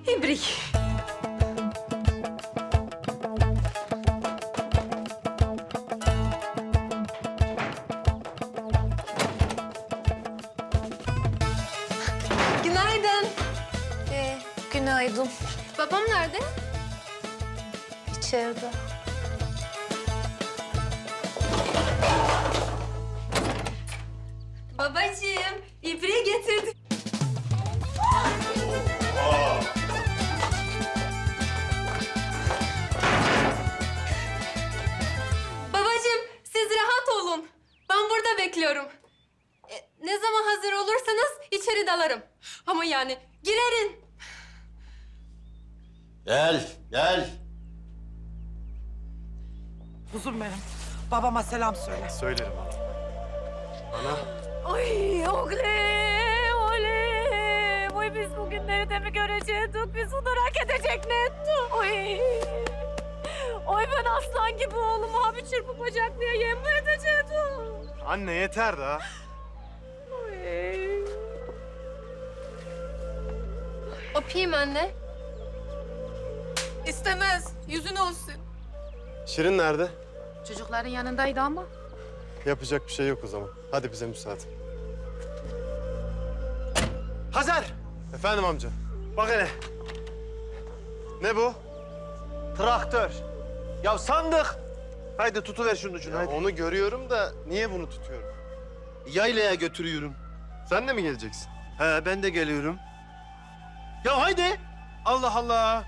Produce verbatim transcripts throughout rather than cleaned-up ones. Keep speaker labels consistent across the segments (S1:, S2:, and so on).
S1: İbrik. Günaydın.
S2: Ee, günaydın.
S1: Babam nerede?
S2: İçeride.
S1: Babacığım, ibriği getirdim. Babacığım, siz rahat olun. Ben burada bekliyorum. E, ne zaman hazır olursanız içeri dalarım. Ama yani girerim.
S3: Gel, gel.
S4: Kuzum benim. Babama selam söyle.
S5: Söylerim abi. Ana.
S2: Ay oğlum, oğlum. Oy biz bugünleri de mi görecektik? Biz bunu hak edecek ne ettik? Oy. Oy ben aslan gibi oğlumu abi çırpıp bacaklıya yem mi edecektim?
S5: Anne yeter daha.
S2: Oy.
S1: Öpeyim anne.
S2: İstemez. Yüzün olsun.
S5: Şirin nerede?
S2: Çocukların yanındaydı ama.
S5: Yapacak bir şey yok o zaman. Hadi bize müsaade. Hazar! Efendim amca. Bak hele. Ne bu?
S6: Traktör. Ya sandık. Haydi tutuver şunun ucunu.
S5: Ya
S6: Haydi.
S5: onu görüyorum da niye bunu tutuyorum?
S6: Yaylaya götürüyorum.
S5: Sen de mi geleceksin?
S6: He ben de geliyorum. Ya haydi. Allah Allah.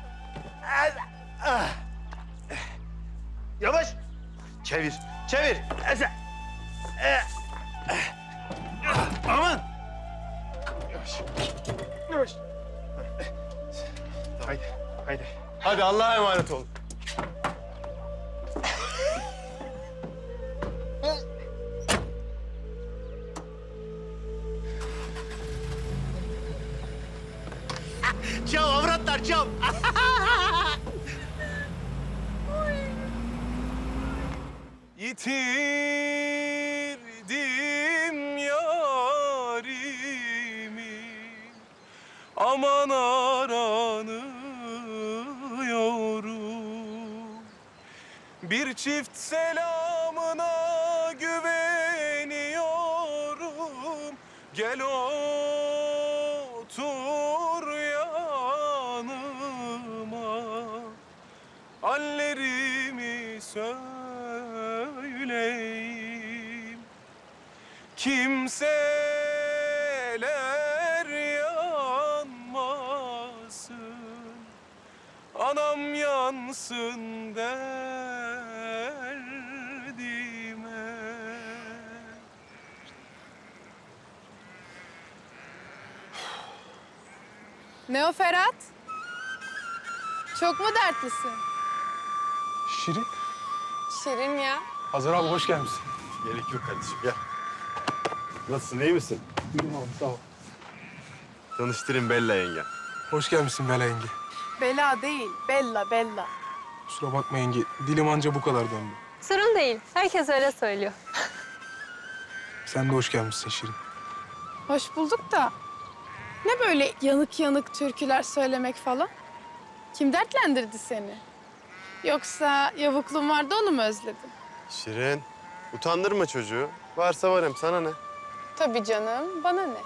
S6: Ah. Yavaş. Çevir. Çevir. Ese. Eh. Aman.
S5: Yavaş. Yavaş. Haydi, haydi. Hadi Allah'a emanet olun.
S6: Çav avratlar çav.
S7: Yitirdim yarimi, aman aranıyorum. Bir çift selamına güveniyorum. Gel otur yanıma, hallerimi söyleyeyim. Kimseler yanmasın, anam yansın derdime.
S8: Ne o Ferhat? Çok mu dertlisin?
S7: Şirin,
S8: Şirin ya.
S7: Hazar abi hoş gelmişsin.
S5: Gerek yok kardeşim, gel. Nasılsın, iyi misin?
S7: İyiyim abi, sağ ol.
S5: Tanıştırayım Bella yenge.
S7: Hoş gelmişsin Bela yenge.
S8: Bela değil, Bella, Bella.
S7: Kusura bakma yenge, dilim anca bu kadar döndü.
S1: Sorun değil. Herkes öyle söylüyor.
S7: Sen de hoş gelmişsin Şirin.
S8: Hoş bulduk da. Ne böyle yanık yanık türküler söylemek falan? Kim dertlendirdi seni? Yoksa yavukluğun vardı onu mu özledin?
S5: Şirin, utandırma çocuğu. Varsa varım, sana ne?
S8: Tabii canım, bana ne?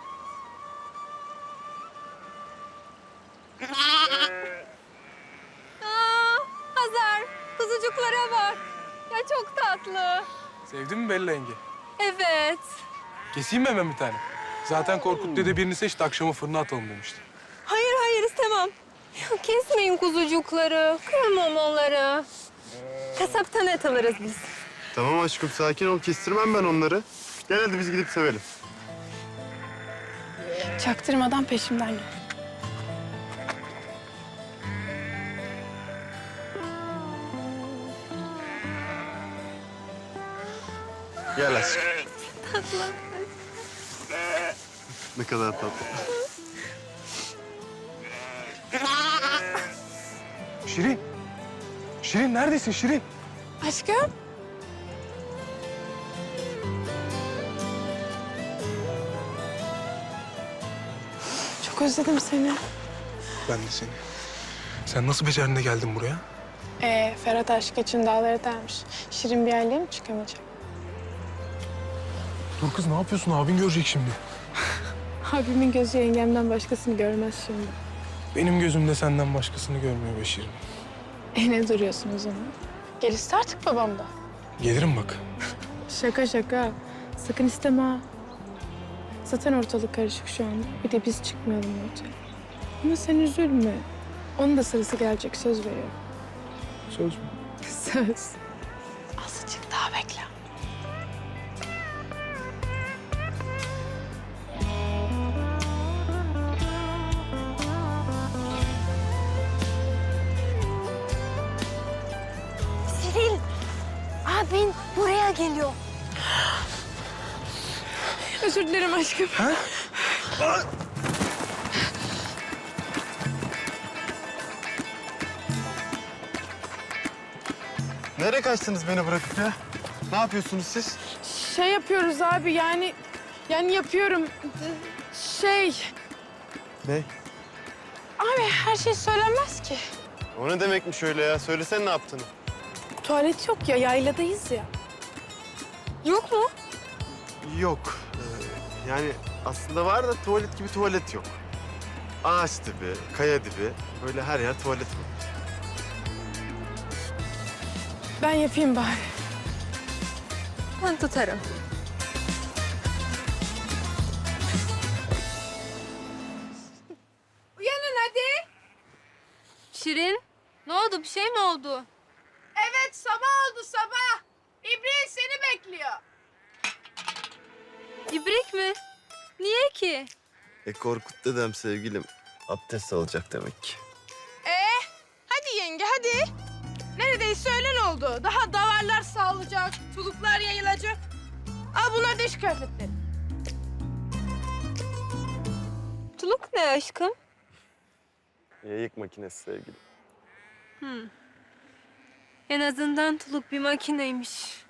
S1: Aa, Hazar, kuzucuklara bak. Ya çok tatlı.
S7: Sevdin mi Bela yenge?
S1: Evet.
S7: Keseyim mi hemen bir tane? Zaten Korkut dede birini seçti, akşama fırına atalım demişti.
S1: Hayır hayır istemem. Ya kesmeyin kuzucukları. Kıyamam onları. Kasaptan et alırız biz.
S5: Tamam aşkım, sakin ol. Kestirmem ben onları. Gel hadi biz gidip sevelim.
S8: Çaktırmadan peşimden gel.
S5: Gel aşkım. Ne kadar tatlı.
S7: Şirin, Şirin neredesin Şirin?
S8: Aşkım. Çok özledim seni.
S7: ben de seni. Sen nasıl becerdin de geldin buraya?
S8: Ee, Ferhat aşk için dağları dermiş. Şirin bir aileye mi çıkamayacak?
S7: Dur kız ne yapıyorsun? Abin görecek şimdi.
S8: Abimin gözü yengemden başkasını görmez şimdi.
S7: Benim gözümde senden başkasını görmüyor be Şirin.
S8: E ne duruyorsun o zaman? Gelirse artık babam da.
S7: Gelirim bak.
S8: Şaka şaka. Sakın isteme ha. Zaten ortalık karışık şu anda. Bir de biz çıkmayalım ortaya. Ama sen üzülme. Onun da sırası gelecek, söz veriyorum.
S7: Söz mü?
S8: Söz. Azıcık daha bekle.
S2: Siril, abin buraya geliyor.
S8: Özür dilerim aşkım.
S5: Nereye kaçtınız beni bırakıp ya? Ne yapıyorsunuz siz?
S8: Şey yapıyoruz abi yani... Yani yapıyorum. Şey...
S5: Ne?
S8: Abi her şey söylenmez ki.
S5: O ne demekmiş öyle ya? Söylesene ne yaptığını.
S8: Tuvalet yok ya, yayladayız ya. Yok mu?
S5: Yok. Ee, yani aslında var da tuvalet gibi tuvalet yok. Ağaç dibi, kaya dibi. Böyle her yer tuvalet var.
S8: Ben yapayım bari.
S1: Ben tutarım.
S8: Uyanın hadi.
S1: Şirin, ne oldu? Bir şey mi oldu?
S8: Evet, sabah oldu sabah. İbrahim seni bekliyor.
S1: İbrik mi? Niye ki?
S5: E Korkut dedem sevgilim abdest alacak demek ki.
S8: Ee, hadi yenge hadi. Neredeyse öğlen oldu. Daha davarlar sağlayacak, tuluklar yayılacak. Al bunlar da iş kıyafetleri.
S1: Tuluk ne aşkım?
S5: Yayık makinesi sevgilim.
S1: En azından tuluk bir makineymiş.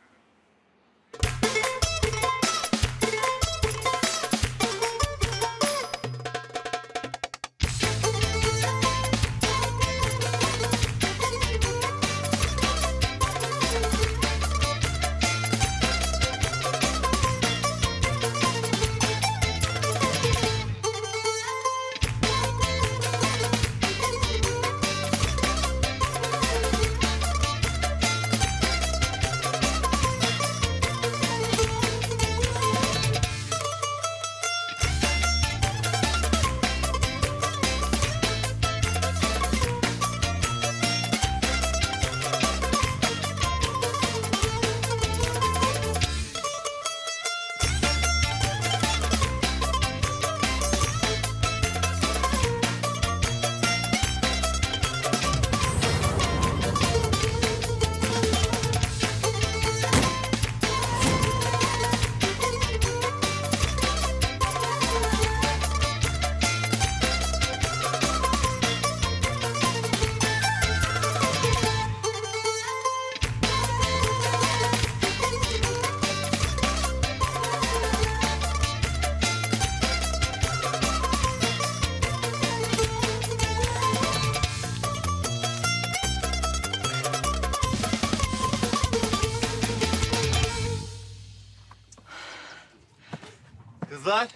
S5: Kızlar.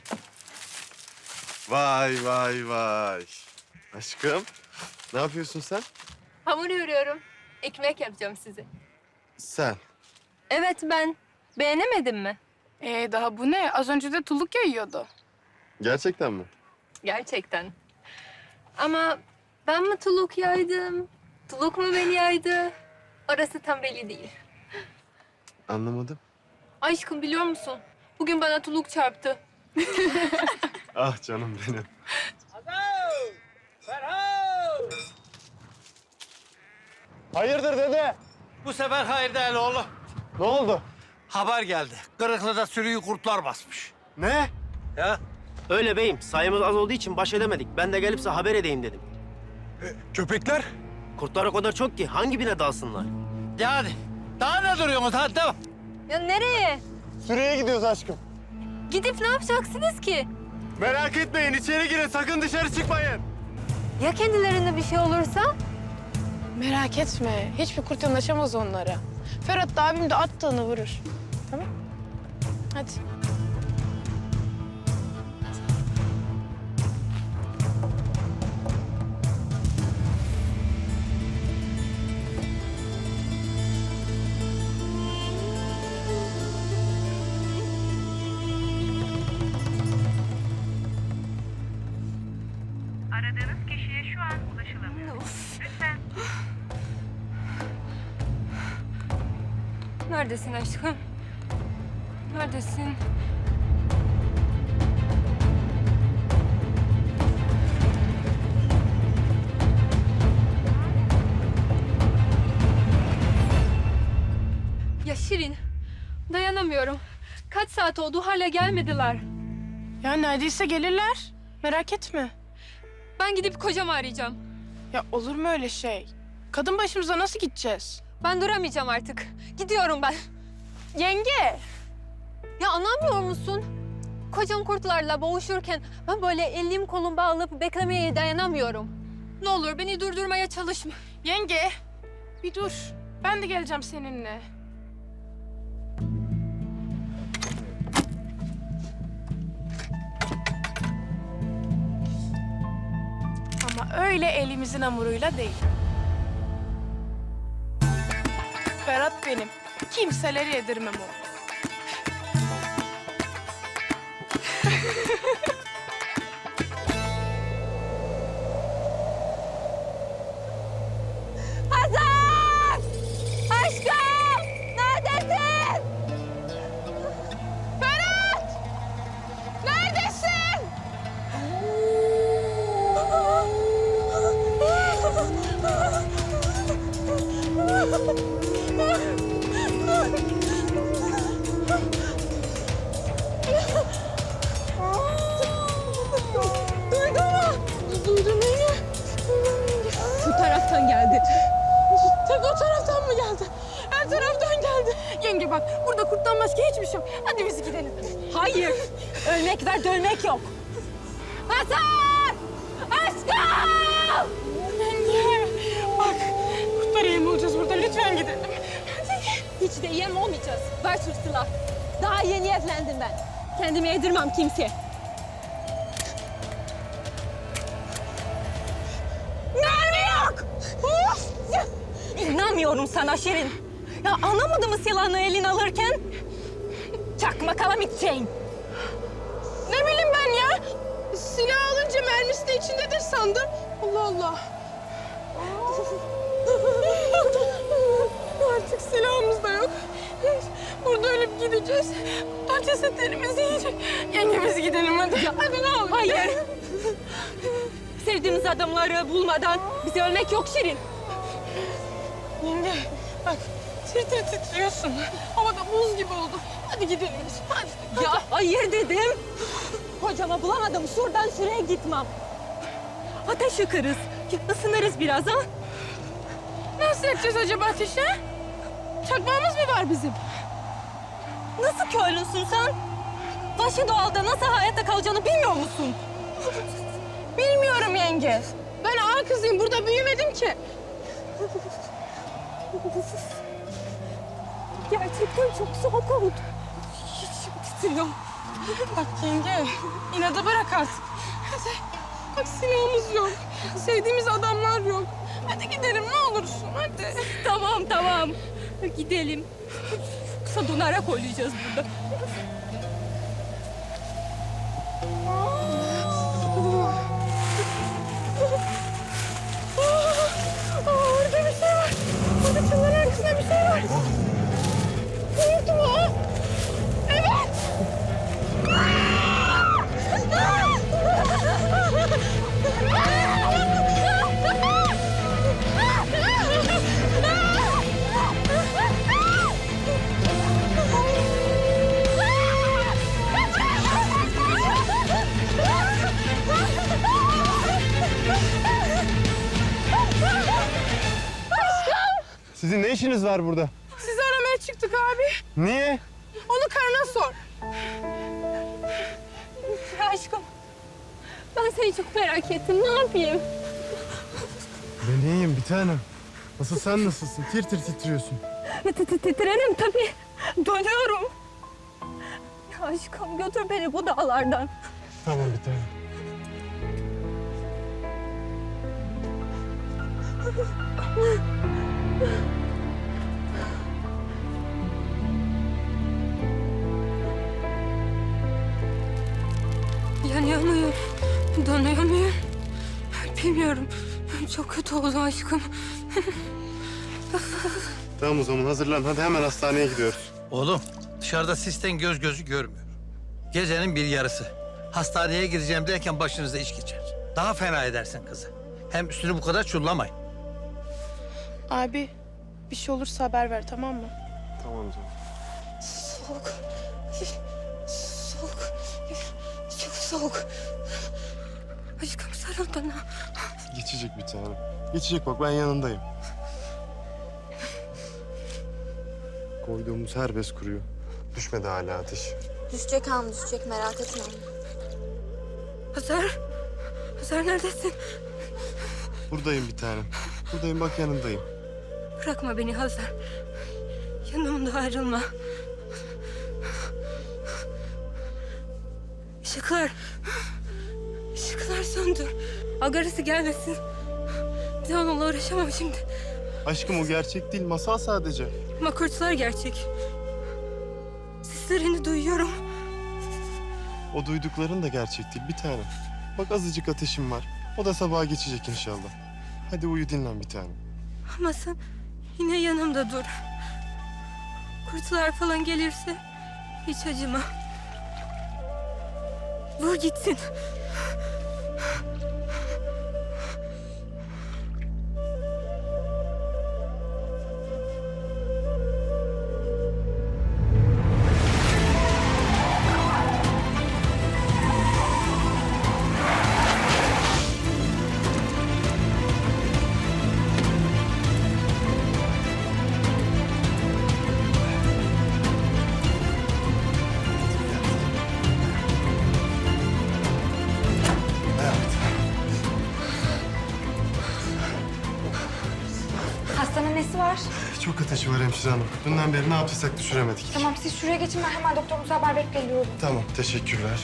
S5: Vay vay vay. Aşkım, ne yapıyorsun sen?
S1: Hamur yoruyorum. Ekmek yapacağım size.
S5: Sen.
S1: Evet ben. Beğenemedin mi?
S8: Ee, daha bu ne? Az önce de tuluk yayıyordu.
S5: Gerçekten mi?
S1: Gerçekten. Ama ben mi tuluk yaydım? Tuluk mu beni yaydı? Orası tam belli değil.
S5: Anlamadım.
S1: Aşkım biliyor musun? Bugün bana tuluk çarptı.
S5: Ah canım benim. Hayırdır dede?
S6: Bu sefer hayır değil oğlum.
S5: Ne oldu?
S6: Haber geldi. Kırıklı'da sürüyü kurtlar basmış.
S5: Ne?
S6: Ya
S3: Öyle beyim. Sayımız az olduğu için baş edemedik. Ben de gelip size haber edeyim dedim.
S7: Köpekler?
S3: Kurtlar o kadar çok ki hangi birine dalsınlar?
S6: yani daha ne duruyorsunuz hadi devam.
S1: Ya nereye?
S5: Süreye gidiyoruz aşkım.
S1: Gidip ne yapacaksınız ki?
S5: Merak etmeyin içeri girin sakın dışarı çıkmayın.
S1: Ya kendilerine bir şey olursa?
S8: Merak etme. Hiçbir kurt yanaşamaz onlara. Ferhat da abim de attığını vurur. Tamam? Hadi.
S9: Aradığınız kişiye şu an ulaşılamıyor. Lütfen
S1: Neredesin aşkım? Neredesin? Ya Şirin, dayanamıyorum. Kaç saat oldu hala gelmediler.
S8: Ya neredeyse gelirler. Merak etme.
S1: Ben gidip kocamı arayacağım.
S8: Ya olur mu öyle şey? Kadın başımıza nasıl gideceğiz?
S1: Ben duramayacağım artık. Gidiyorum ben.
S8: Yenge!
S1: Ya anlamıyor musun? Kocam kurtlarla boğuşurken ben böyle elim kolum bağlayıp beklemeye dayanamıyorum. Ne olur beni durdurmaya çalışma.
S8: Yenge! Bir dur. Ben de geleceğim seninle. Ama öyle elimizin hamuruyla değil. Ferhat benim. Kimseleri yedirmem o.
S2: Hazar! Aşkım! Neredesin?
S8: Ferhat! Neredesin?
S2: Duydun mu?
S8: Duydum yenge.
S2: Bu taraftan geldi.
S8: Tek o taraftan mı geldi? Her taraftan geldi. Yenge bak, burada kurttan başka hiçbir şey yok. Hadi biz gidelim.
S2: Hayır. Ölmek var, dönmek yok. Hazar! Aşkım!
S8: Yenge, bak kurtlara yem olacağız burada. Lütfen gidelim.
S2: Hiç de yem olmayacağız. Ver şu silah. Daha yeni evlendim ben. Kendimi yedirmem kimseye. Mermi yok! Of! İnanmıyorum sana Şirin. Ya anlamadın mı silahını eline alırken? Çakma kalamitçeyin.
S8: Ne bileyim ben ya? Silah alınca mermisi de içindedir sandım. Allah Allah. Artık silahımız da yok. Burada ölüp gideceğiz. Kurtlar cesetlerimizi yiyecek. Yenge biz gidelim hadi. Hadi ne olur.
S2: Hayır. Sevdiğimiz adamları bulmadan bize ölmek yok Şirin.
S8: Yenge bak tir tir titriyorsun. Havada buz gibi oldu. Hadi gidelim biz. Hadi.
S2: Ya hayır dedim. Kocama bulamadım. Şuradan şuraya gitmem. Ateş yakarız. Isınırız biraz ha.
S8: Nasıl yapacağız acaba ateşi? Çakmağımız mı var bizim?
S2: Nasıl köylüsün sen? Vahşi doğalda nasıl hayatta kalacağını bilmiyor musun?
S8: Bilmiyorum yenge. Ben ağa kızıyım. Burada büyümedim ki.
S2: Gerçekten çok soğuk oldu. İçim titriyor.
S8: Bak yenge, inadı bırak artık. Hadi. Bak silahımız yok. Sevdiğimiz adamlar yok. Hadi gidelim ne olursun hadi.
S2: Tamam tamam. Gidelim. Yoksa donarak oynayacağız burada.
S8: Aa, orada bir şey var. Orada çınarın arkasında bir şey var. Kurt mu? Evet.
S5: Sizin ne işiniz var burada?
S8: Sizi aramaya çıktık abi.
S5: Niye?
S8: Onu karına sor.
S1: Aşkım, ben seni çok merak ettim. Ne yapayım?
S5: Ben iyiyim bir tanem. Nasıl sen nasılsın? Tir tir titriyorsun.
S2: Titrerim tabii. Dönüyorum. Ya aşkım götür beni bu dağlardan.
S5: Tamam bir tanem.
S1: Yanıyor muyum? Donuyor muyum? Bilmiyorum. Çok kötü oldu aşkım.
S5: Tamam o zaman hazırlan. Hadi hemen hastaneye gidiyoruz.
S10: Oğlum dışarıda sisten göz gözü görmüyor. Gecenin bir yarısı. Hastaneye gideceğim derken başınıza iş geçer. Daha fena edersin kızı. Hem üstünü bu kadar çullamayın.
S8: Abi bir şey olursa haber ver tamam mı?
S5: Tamam canım.
S1: Soğuk. Soğuk. Çok soğuk. Aşkım sarıl bana.
S5: Geçecek bir tanem. Geçecek bak ben yanındayım. Koyduğumuz her bez kuruyor. Düşmedi hala ateş.
S2: Düşecek han düşecek merak etme.
S1: Hazar. Hazar neredesin?
S5: Buradayım bir tanem. Buradayım bak yanındayım.
S1: Bırakma beni Hazar. Yanımda ayrılma. Işıklar. Işıklar söndür. Agarası gelmesin. Bir de onunla uğraşamam şimdi.
S5: Aşkım o gerçek değil masal sadece.
S1: Ama kurtlar gerçek. Seslerini duyuyorum.
S5: O duydukların da gerçek değil bir tanem. Bak azıcık ateşim var. O da sabaha geçecek inşallah. Hadi uyu dinlen bir tanem.
S1: Ama sen yine yanımda dur. Kurtlar falan gelirse hiç acıma. Vur gitsin.
S2: Hastanın nesi var?
S5: Çok ateşi var hemşire hanım. Dünden beri ne yaptıysak düşüremedik.
S2: Tamam siz şuraya geçin ben hemen doktorumuza haber bekliyorum.
S5: Tamam teşekkürler.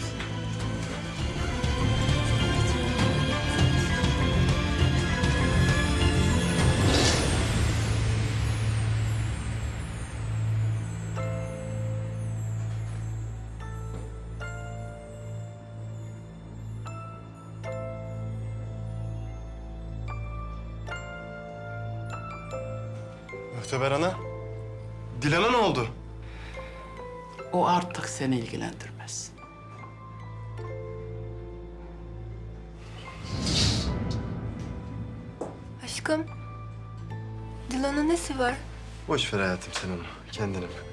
S5: Muhteber ana. Dilan'a ne oldu?
S11: O artık seni ilgilendirmez.
S1: Aşkım. Dilan'ın nesi var?
S5: Boş ver hayatım sen onu. Kendine bak.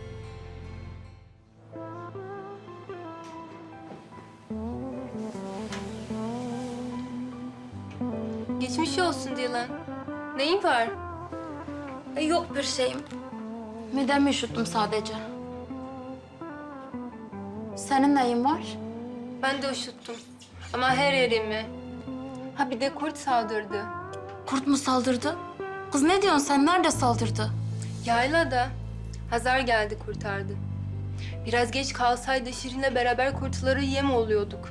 S1: Geçmiş olsun Dilan. Neyin var?
S2: Yok bir şeyim. Midemi üşüttüm sadece. Senin neyin var?
S1: Ben de üşüttüm. Ama her yerimi. Ha bir de kurt saldırdı.
S2: Kurt mu saldırdı? Kız ne diyorsun sen? Nerede saldırdı?
S1: Yaylada. Hazar geldi kurtardı. Biraz geç kalsaydı Şirin'le beraber kurtları yem oluyorduk.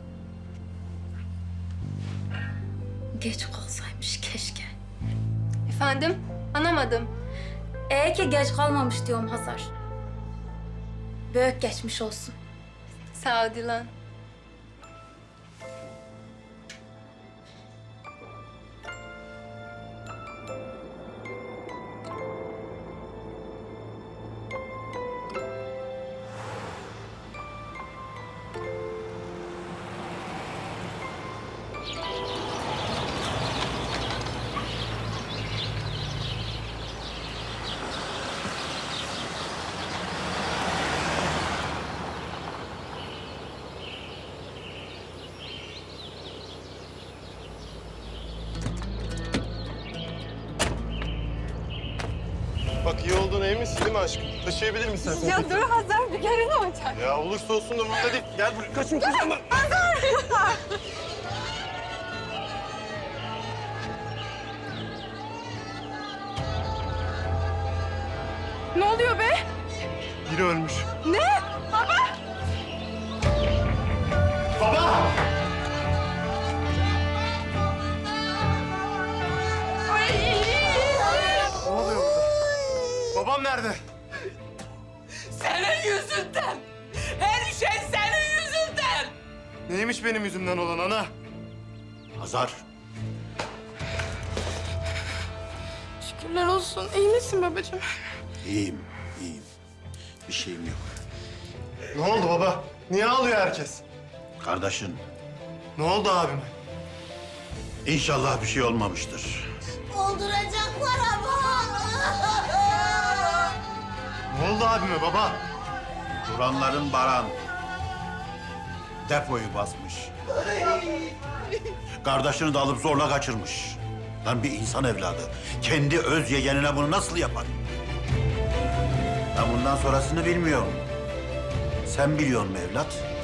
S2: Geç kalsaymış keşke.
S1: Efendim? Anlamadım.
S2: Ee ki geç kalmamış diyorum Hazar. Büyük geçmiş olsun.
S1: Sağ ol Dilan.
S5: Bak iyi olduğuna emin misin değil mi aşkım? Taşıyabilir misin sen?
S1: Ya dur Hazar bir kere ne olacak?
S5: Ya olursa olsun da burada değil. Gel buraya. Kaçın kızım.
S8: Ne oluyor be?
S5: Biri ölmüş.
S8: Ne? Baba!
S5: Baba! Ne oluyor burada? Babam nerede?
S11: Senin yüzünden. Her şey senin yüzünden.
S5: Neymiş benim yüzümden olan ana?
S6: Hazar.
S8: Şükürler olsun. İyi misin babacığım?
S6: İyiyim, iyiyim. Bir şeyim yok.
S5: Ne oldu baba? Niye ağlıyor herkes?
S6: Kardeşin,
S5: Ne oldu abime?
S6: inşallah bir şey olmamıştır.
S2: Öldürecekler ama.
S5: Ne oldu abime baba?
S6: Duranların baran depoyu basmış. Kardeşini de alıp zorla kaçırmış. Lan bir insan evladı kendi öz yeğenine bunu nasıl yapar? Ben bundan sonrasını bilmiyorum. Sen biliyor musun evlat?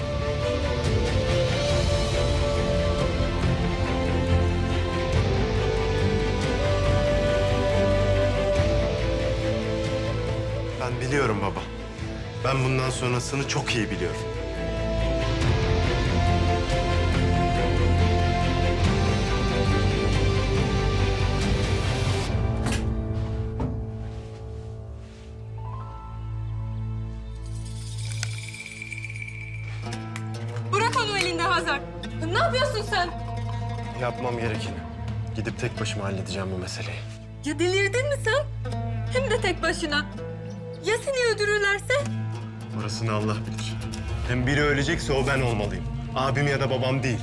S5: Ben biliyorum baba. Ben bundan sonrasını çok iyi biliyorum.
S1: Bırak onu elinde Hazar. Ne yapıyorsun sen?
S5: Yapmam gerekeni. Gidip tek başıma halledeceğim bu meseleyi.
S1: Ya delirdin mi sen? Hem de tek başına. Ya seni öldürürlerse?
S5: Orasını Allah bilir. Hem biri ölecekse o ben olmalıyım. Abim ya da babam değil.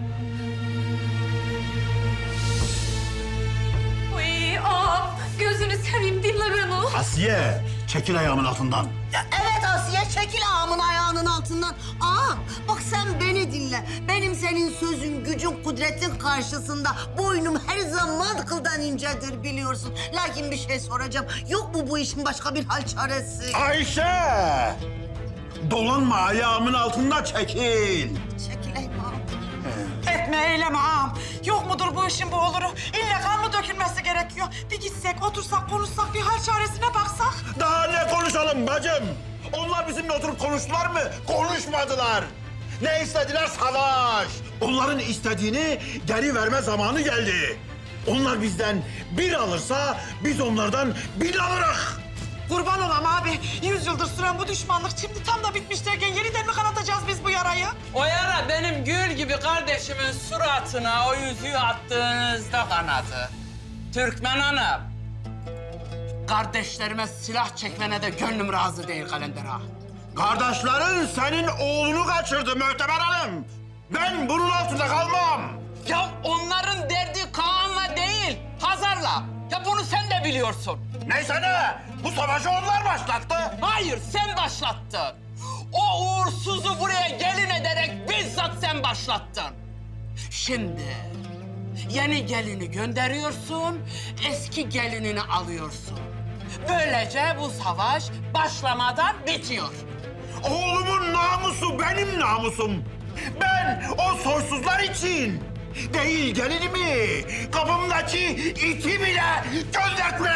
S1: Uy, aa, gözünü seveyim dinle beni.
S6: Asiye, çekil ayağımın altından.
S2: Evet Asiye, çekil ağamın ayağının altından. Aa, bak sen beni dinle. Benim senin sözün, gücün, kudretin karşısında boynum her zaman kıldan incedir biliyorsun. Lakin bir şey soracağım. Yok mu bu işin başka bir hal çaresi?
S6: Ayşe! Dolanma ayağımın altında çekil.
S2: Çekileyim ağam.
S4: Etme eyleme ağam. Yok mudur bu işin bu oluru? İlle kan mı dökülmesi gerekiyor? Bir gitsek, otursak, konuşsak, bir hal çaresine baksak.
S6: Daha ne konuşalım bacım? Onlar bizimle oturup konuştular mı? Konuşmadılar. Ne istediler? Savaş. Onların istediğini geri verme zamanı geldi. Onlar bizden bir alırsa biz onlardan bin alırız.
S4: Kurban olam abi. Yüz yıldır süren bu düşmanlık şimdi tam da bitmiş derken yeniden mi kanatacağız biz bu yarayı?
S11: O yara benim gül gibi kardeşimin suratına o yüzüğü attığınızda kanadı. Türkmen Hanım. Kardeşlerime silah çekmene de gönlüm razı değil Kalender ağa.
S6: Kardeşlerin senin oğlunu kaçırdı Möhteber Hanım. Ben bunun altında kalmam.
S11: Ya onların derdi Kaan'la değil, Hazar'la. Ya bunu sen de biliyorsun.
S6: Neyse ne? Bu savaşı onlar başlattı.
S11: Hayır, sen başlattın. O uğursuzu buraya gelin ederek bizzat sen başlattın. Şimdi yeni gelini gönderiyorsun, eski gelinini alıyorsun. Böylece bu savaş başlamadan bitiyor.
S6: Oğlumun namusu benim namusum. Ben o soysuzlar için değil gelinimi, kapımdaki iti bile göndertmeye